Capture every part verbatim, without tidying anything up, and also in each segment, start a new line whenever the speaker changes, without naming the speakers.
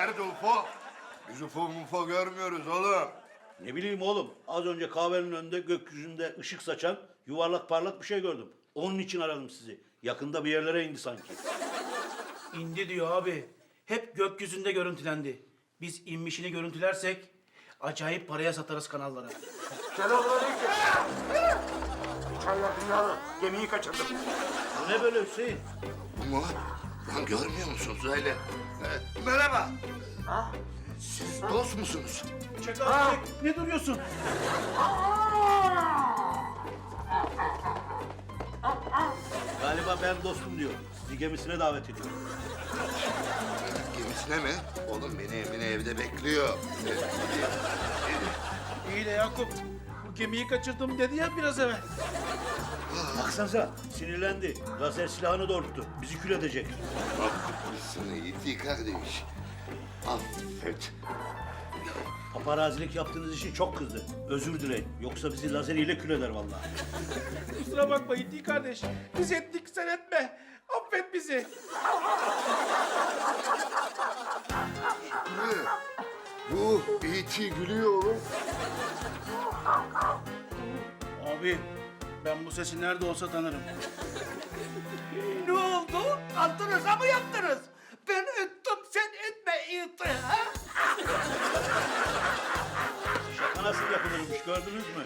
Nerede U F O? Biz U F O mufo görmüyoruz oğlum.
Ne bileyim oğlum, az önce kahvenin önünde gökyüzünde ışık saçan yuvarlak parlak bir şey gördüm. Onun için aradım sizi. Yakında bir yerlere indi sanki.
İndi diyor abi. Hep gökyüzünde görüntülendi. Biz inmişini görüntülersek acayip paraya satarız kanallara.
Selamünaleyküm. Çaylar dünyalı. Gemiyi kaçırdım.
Bu ne böyle Hüseyin?
Mu? Lan görmüyor musunuz öyle? Ee, merhaba. Siz dost musunuz?
Çek abi çek. Ne duruyorsun?
Galiba ben dostum diyor. Sizi gemisine davet ediyorum.
Gemisine mi? Oğlum beni Emine evde bekliyor.
İyi de Yakup. Bu gemiyi kaçırdım dedi ya biraz evvel.
Baksanıza, sinirlendi. Lazer silahını doğrulttu. Bizi kül edecek.
Affetmişsin Yiğit'i kardeş. Affet.
Paparazilik yaptığınız için çok kızdı. Özür dileyin. Yoksa bizi lazeriyle kül eder vallahi.
Kusura bakma Yiğit kardeş. Biz ettik sen etme. Affet bizi.
Ne? Bu Yiğit'i gülüyor oğlum.
Abi ben bu sesi nerede olsa tanırım.
Ne oldu? Altınıza mı yaptınız? Ben ettim, sen etme Yiğit'i, ha?
Şaka nasıl yapılırmış gördünüz mü?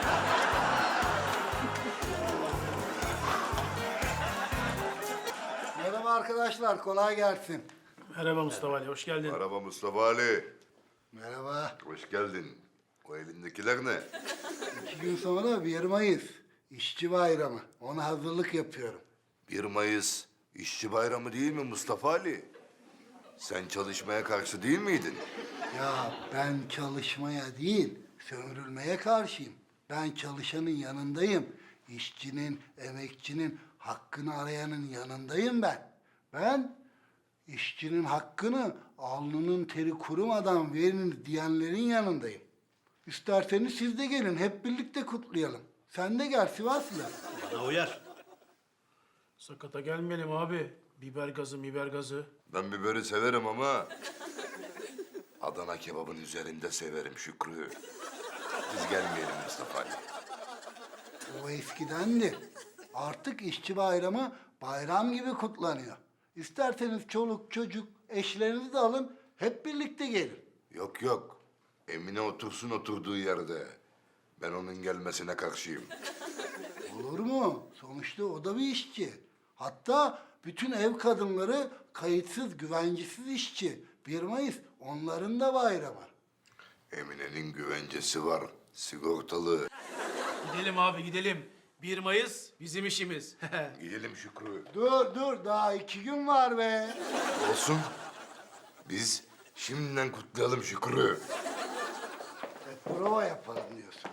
Merhaba arkadaşlar, kolay gelsin.
Merhaba Mustafa Ali, hoş geldin.
Merhaba Mustafa Ali.
Merhaba.
Hoş geldin. O elindekiler ne?
İki gün sonra bir Mayıs, İşçi Bayramı. Ona hazırlık yapıyorum.
bir Mayıs İşçi Bayramı değil mi Mustafa Ali? Sen çalışmaya karşı değil miydin?
Ya ben çalışmaya değil, sömürülmeye karşıyım. Ben çalışanın yanındayım. İşçinin, emekçinin, hakkını arayanın yanındayım ben. Ben işçinin hakkını alnının teri kurumadan verin diyenlerin yanındayım. İsterseniz siz de gelin, hep birlikte kutlayalım. Sen de gel Sivaslı.
Bana uyar.
Sakata gelmeyelim abi. Biber gazı, biber gazı.
Ben biberi severim ama Adana kebabın üzerinde severim Şükrü. Biz gelmeyelim Mustafa Ali.
O eskidendi. Artık işçi bayramı bayram gibi kutlanıyor. İsterseniz çoluk çocuk eşlerinizi de alın, hep birlikte gelin.
Yok yok. Emine otursun oturduğu yerde. Ben onun gelmesine karşıyım.
Olur mu? Sonuçta o da bir işçi. Hatta bütün ev kadınları kayıtsız, güvencesiz işçi. bir Mayıs onların da bayramı.
Emine'nin güvencesi var. Sigortalı.
Gidelim abi gidelim. bir Mayıs bizim işimiz.
Gidelim Şükrü.
Dur dur, daha iki gün var be.
Olsun. Biz şimdiden kutlayalım Şükrü.
E, prova yapalım diyorsun.